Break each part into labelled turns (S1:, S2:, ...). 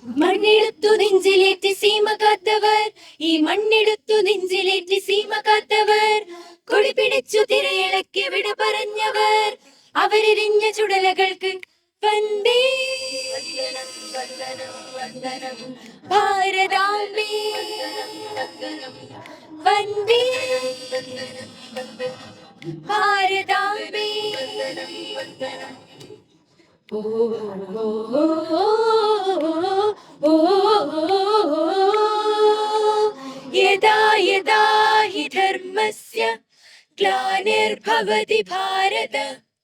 S1: മണ്ണെടുത്തു നെഞ്ചിലേറ്റി സീമ കാത്തവർ, ഈ മണ്ണെടുത്തു നെഞ്ചിലേറ്റി സീമ കാത്തവർ, കൊടി പിടിച്ചു തിരയിളക്കി വിട പറഞ്ഞവർ, അവരെരിഞ്ഞ ചുടലകൾക്ക് വന്ദേ വന്ദനം ഭാരതാംബേ, വന്ദേ ഭാരതാംബേ. ഓ ഓ ഓ യദാ യദാ ഹി ധർമ്മസ്യ ഗ്ലാനിർഭവതി ഭാരത,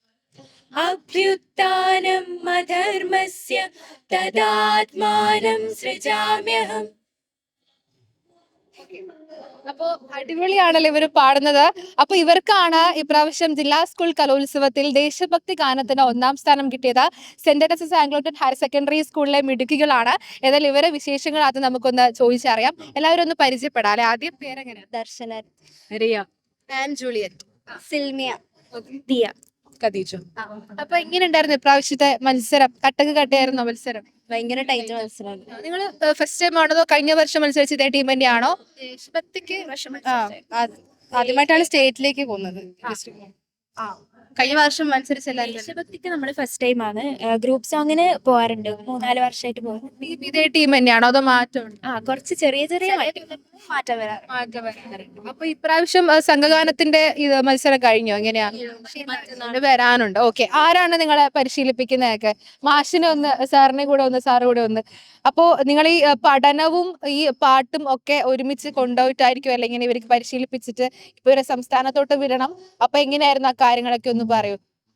S1: അഭ്യുത്ഥാനം അധർമ്മസ്യ തദാത്മാനം സൃജാമ്യഹം.
S2: അപ്പോ അടിപൊളിയാണല്ലോ ഇവര് പാടുന്നത്. അപ്പൊ ഇവർക്കാണ് ഇപ്രാവശ്യം ജില്ലാ സ്കൂൾ കലോത്സവത്തിൽ ദേശഭക്തി ഗാനത്തിന് 1ാം സ്ഥാനം കിട്ടിയത്. സെന്റ് തെരേസസ് ആംഗ്ലോട്ടൺ ഹയർ സെക്കൻഡറി സ്കൂളിലെ മിടുക്കികളാണ്. ഏതായാലും ഇവരെ വിശേഷങ്ങൾ അത് നമുക്കൊന്ന് ചോദിച്ചറിയാം. എല്ലാവരും ഒന്ന് പരിചയപ്പെടാം അല്ലെ. ആദ്യം പേരെങ്ങനെ?
S3: Darshana,
S2: Riya and Juliet,
S3: Silmiya, Diya.
S2: ഖദീജു. അപ്പൊ എങ്ങനെ ഉണ്ടായിരുന്നു ഇപ്രാവശ്യത്തെ മത്സരം? കട്ടക്ക് കട്ടയായിരുന്നോ മത്സരം?
S3: ഭയങ്കര ടൈറ്റ് മത്സരമാണ്.
S2: നിങ്ങൾ ഫസ്റ്റ് ടൈം ആണോ കഴിഞ്ഞ വർഷം മത്സരിച്ച ഇതേ ടീം തന്നെയാണോ?
S3: ദേശഭക്തിക്ക് ആദ്യമായിട്ടാണ് സ്റ്റേറ്റിലേക്ക് പോകുന്നത്. കഴിഞ്ഞ വർഷം മത്സരിച്ചല്ലായിരുന്നു. ദേശഭക്തിക്ക് നമ്മൾ ഫസ്റ്റ് ടൈം ആണ്. ഗ്രൂപ്പ് സോങ്ങിന് പോകാറുണ്ട്, 3-4 വർഷമായിട്ട് പോകും.
S2: ഇതേ ടീം തന്നെയാണോ അതോ മാറ്റമുണ്ടോ?
S3: കുറച്ച് ചെറിയ ചെറിയ മാറ്റം വരാറ്.
S2: അപ്പൊ ഇപ്രാവശ്യം സംഘഗാനത്തിന്റെ ഇത് മത്സരം കഴിഞ്ഞോ? എങ്ങനെയാ? വരാനുണ്ട്. ഓക്കെ. ആരാണ് നിങ്ങളെ പരിശീലിപ്പിക്കുന്നതൊക്കെ? മാഷിനെ ഒന്ന്, സാറിനെ കൂടെ ഒന്ന്, സാറ് കൂടെ ഒന്ന്. അപ്പോ നിങ്ങൾ ഈ പഠനവും ഈ പാട്ടും ഒക്കെ ഒരുമിച്ച് കൊണ്ടുപോയിട്ടായിരിക്കും അല്ലെ ഇങ്ങനെ ഇവർക്ക് പരിശീലിപ്പിച്ചിട്ട് ഇപ്പൊ ഒരു സംസ്ഥാനത്തോട്ട് വിടണം? അപ്പൊ എങ്ങനെയായിരുന്നു ആ കാര്യങ്ങളൊക്കെ ഒന്ന് പറയൂ.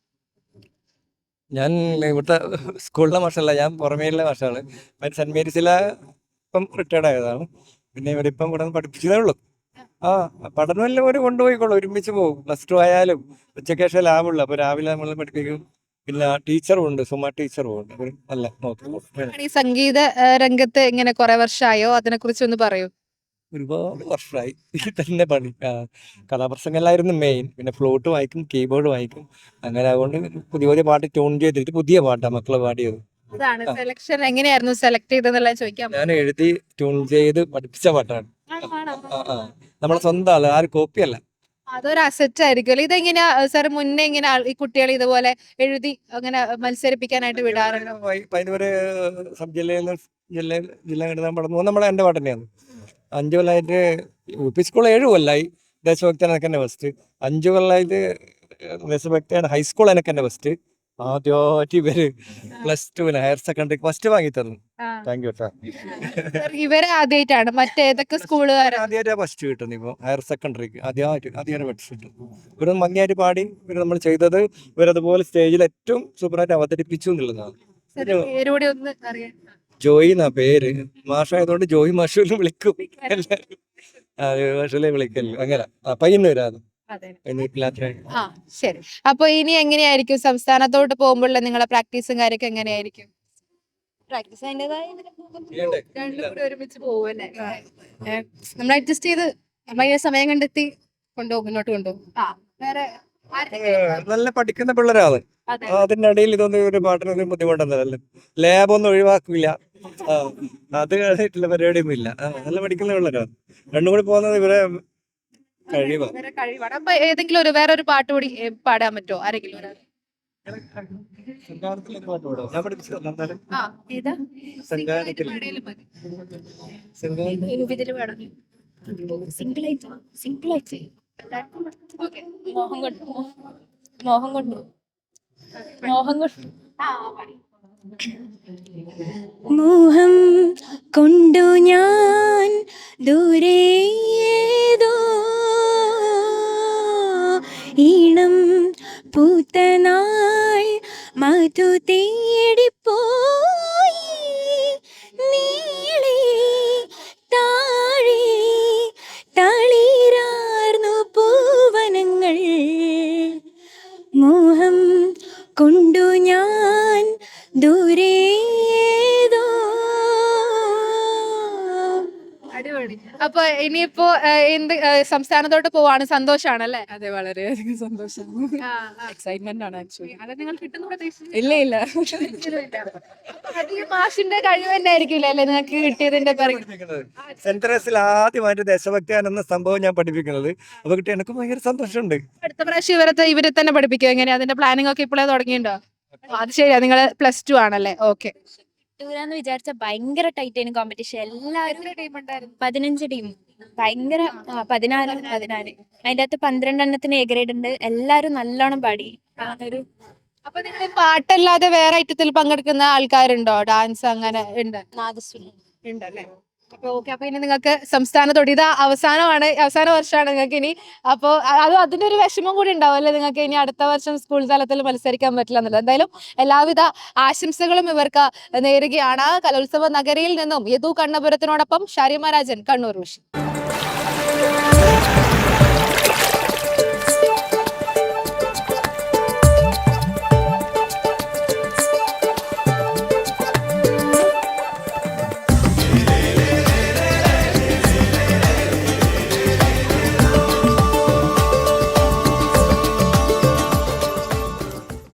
S4: ഞാൻ ഇവിടുത്തെ സ്കൂളിലെ മാഷല്ല, ഞാൻ പുറമേയുള്ള മാഷാണ്. സെന്റ് മേരീസിലെ ഇപ്പം റിട്ടയർഡ് ആയതാണ്. പിന്നെ ഇവരിപ്പം ഇവിടെ നിന്ന് പഠിപ്പിച്ചതേ ഉള്ളൂ. പഠനമെല്ലാം ഒരു കൊണ്ടുപോയിക്കോളൂ, ഒരുമിച്ച് പോകും. +2 ആയാലും ഉച്ചയ്ക്ക് ശേഷം ലാബുള്ളൂ. അപ്പോൾ രാവിലെ നമ്മൾ പഠിപ്പിക്കും. പിന്നെ ടീച്ചറും ഉണ്ട്, സുമ ടീച്ചറും ഉണ്ട്. നല്ല നോക്കും.
S2: ഈ സംഗീത രംഗത്ത് ഇങ്ങനെ കുറെ വർഷമായോ? അതിനെ കുറിച്ച് ഒന്ന് പറയൂ.
S4: ഒരുപാട് വർഷമായി തന്നെ പണി. കഥാപ്രസംഗമല്ലായിരുന്നു മെയിൻ. പിന്നെ ഫ്ലൂട്ട് വായിക്കും, കീബോർഡ് വായിക്കും. അങ്ങനെ അതുകൊണ്ട് പുതിയ പുതിയ പാട്ട് ട്യൂൺ ചെയ്തിട്ട് പുതിയ പാട്ടാണ് മക്കളെ പാടിയത്.
S2: അതാണ് സെലക്ഷൻ. എങ്ങനെയായിരുന്നു സെലക്ട് ചെയ്തെന്നുള്ള ചോദിക്കാം.
S4: ഞാൻ എഴുതി ട്യൂൺ ചെയ്ത് പഠിപ്പിച്ച പാട്ടാണ്. നമ്മളെ സ്വന്തം ആള്, ആരും കോപ്പിയല്ല.
S2: അതൊരു അസറ്റ് ആയിരിക്കുമല്ലോ. ഇതെങ്ങനെയാ സാർ മുന്നേ ഇങ്ങനെ ഈ കുട്ടികളെ ഇതുപോലെ എഴുതി അങ്ങനെ മത്സരിപ്പിക്കാനായിട്ട് വിടാറുണ്ട്?
S4: പതിനൂര് സബ് ജില്ലയിൽ ജില്ല എഴുതാൻ പഠനം നമ്മളെ എൻ്റെ പാട്ട് തന്നെയാണ്. 5 കൊല്ലമായിട്ട് UP സ്കൂൾ 7 കൊല്ലമായി ദേശഭക്തിയാണ് എനിക്ക് തന്നെ ഫസ്റ്റ്. 5 കൊല്ലമായിട്ട് ദേശഭക്തിയാണ് ഹൈസ്കൂൾ എനിക്ക് തന്നെ ഫസ്റ്റ്. ആദ്യമായിട്ട് ഇവര് +2 ഹയർ സെക്കൻഡറി ഫസ്റ്റ് വാങ്ങി തന്നു. Thank you.
S2: ഇവരെ ആദ്യമായിട്ടാണ് മറ്റേതൊക്കെ സ്കൂളുകാർ
S4: ആദ്യമായിട്ട് ഫസ്റ്റ് കിട്ടുന്നു. ഇപ്പൊ ഹയർ സെക്കൻഡറിക്ക് ആദ്യമായിട്ട് ഫസ്റ്റ് കിട്ടും. ഇവര് ഭംഗിയായിട്ട് പാടി. ഇവര് നമ്മൾ ചെയ്തത് ഇവരതുപോലെ സ്റ്റേജിൽ ഏറ്റവും സൂപ്പറായിട്ട് അവതരിപ്പിച്ചു എന്നുള്ളതാണ്.
S2: പേരൂടെ ഒന്ന് അറിയാം.
S4: ജോയി എന്നാ പേര്. മാഷായതുകൊണ്ട് ജോയി മാഷുവിനെ വിളിക്കും എല്ലാവരും. മാഷുലെ വിളിക്കല്ലോ. അങ്ങനെ പയ്യന്നൂരാണ്.
S2: ശരി. അപ്പൊ ഇനി എങ്ങനെയായിരിക്കും സംസ്ഥാനത്തോട്ട് പോകുമ്പോഴുള്ള നിങ്ങളെ പ്രാക്ടീസും കാര്യമൊക്കെ എങ്ങനെയായിരിക്കും?
S3: പ്രാക്ടീസ് അതിൻ്റെതായ
S2: രണ്ടും കൂടി ഒരുമിച്ച് പോകുമല്ലേ?
S3: നമ്മൾ അഡ്ജസ്റ്റ് ചെയ്ത് സമയം കണ്ടെത്തി മുന്നോട്ട് കൊണ്ടുപോകും.
S2: വേറെ
S4: നല്ല പഠിക്കുന്ന പിള്ളേരാണ്. അതിന്റെ ഇടയിൽ ഇതൊന്നും ഒരു പാട്ടിനൊന്നും ബുദ്ധിമുട്ടൊന്നുമല്ല. ലാബൊന്നും ഒഴിവാക്കില്ല. അത് കഴിഞ്ഞിട്ടുള്ള പരിപാടിയൊന്നും ഇല്ല. നല്ല പഠിക്കുന്ന പിള്ളേരാണ്. രണ്ടും കൂടി പോകുന്നത് ഇവരെ
S2: കഴിവാണ്. അപ്പൊ ഏതെങ്കിലും വേറൊരു പാട്ട് കൂടി പാടാൻ പറ്റുമോ ആരെങ്കിലും?
S4: ഞാൻ പഠിപ്പിച്ചത്
S3: മോഹം കൊണ്ടു ഞാൻ ദൂരേതോ ഈണം പൂത്തനാൾ മധു തേടിപ്പോയി നീളെ താഴെ തളിരാർന്നു പൂവനങ്ങൾ. മോഹം കൊണ്ടു ഞാൻ ദൂരേതോ
S2: അപ്പൊ ഇനിയിപ്പോ എന്ത് സംസ്ഥാനത്തോട്ട് പോവാണ്, സന്തോഷാണല്ലേ?
S5: അതെ, വളരെയധികം സന്തോഷമാണ്. എക്സൈറ്റ്മെന്റ് ആണ് ആക്ച്വലി.
S2: അത് നിങ്ങൾ കിട്ടുന്ന പ്രതീക്ഷ
S5: ഇല്ല ഇല്ല.
S2: അത് ഈ മാഷിന്റെ കഴിവ് തന്നെ ആയിരിക്കില്ല അല്ലേ നിങ്ങൾക്ക് കിട്ടിയതിന്റെ പിറകെ?
S4: സെന്റ് തെരേസയിൽ ആദ്യമായിട്ട് ദേശഭക്തി എന്ന സംഭവം ഞാൻ പഠിപ്പിക്കുന്നത്. അപ്പൊ കിട്ടി എനിക്ക് ഭയങ്കര സന്തോഷമുണ്ട്.
S2: അടുത്ത പ്രാവശ്യം ഇവരെ തന്നെ പഠിപ്പിക്കുക എങ്ങനെയാ? അതിന്റെ പ്ലാനിങ് ഒക്കെ ഇപ്പോഴേ തുടങ്ങിയിട്ടുണ്ടോ? അത് ശരിയാ, നിങ്ങൾ +2 ആണല്ലേ? ഓക്കെ.
S3: കിട്ടൂലെന്ന് വിചാരിച്ച ഭയങ്കര ടൈറ്റ് ആയിരുന്നു കോമ്പറ്റീഷൻ. എല്ലാവരും 15 ടീം, ഭയങ്കര 14 അതിന്റെ അകത്ത് 12 എണ്ണത്തിന് എ ഗ്രേഡ് ഉണ്ട്. എല്ലാരും നല്ലോണം പാടി. അതൊരു
S2: അപ്പൊ നിങ്ങൾ പാട്ടല്ലാതെ വേറെ ഐറ്റത്തിൽ പങ്കെടുക്കുന്ന ആൾക്കാരുണ്ടോ? ഡാൻസ് അങ്ങനെ ഉണ്ട്?
S3: നാദസ്വരം.
S2: ഉണ്ടല്ലേ? അപ്പൊ ഓക്കെ. അപ്പൊ ഇനി നിങ്ങൾക്ക് സംസ്ഥാനത്തോട് ഇത് അവസാന വർഷമാണ് നിങ്ങൾക്ക് ഇനി. അപ്പൊ അതിന്റെ ഒരു വിഷമം കൂടി ഉണ്ടാവും അല്ലേ നിങ്ങൾക്ക്? ഇനി അടുത്ത വർഷം സ്കൂൾ തലത്തിൽ മത്സരിക്കാൻ പറ്റില്ല എന്നുള്ളത്. എന്തായാലും എല്ലാവിധ ആശംസകളും ഇവർക്ക് നേരുകയാണ്. കലോത്സവ നഗരിയിൽ നിന്നും യദു കണ്ണപുരത്തിനോടൊപ്പം ഷാരിമ രാജൻ, കണ്ണൂർ വിഷൻ.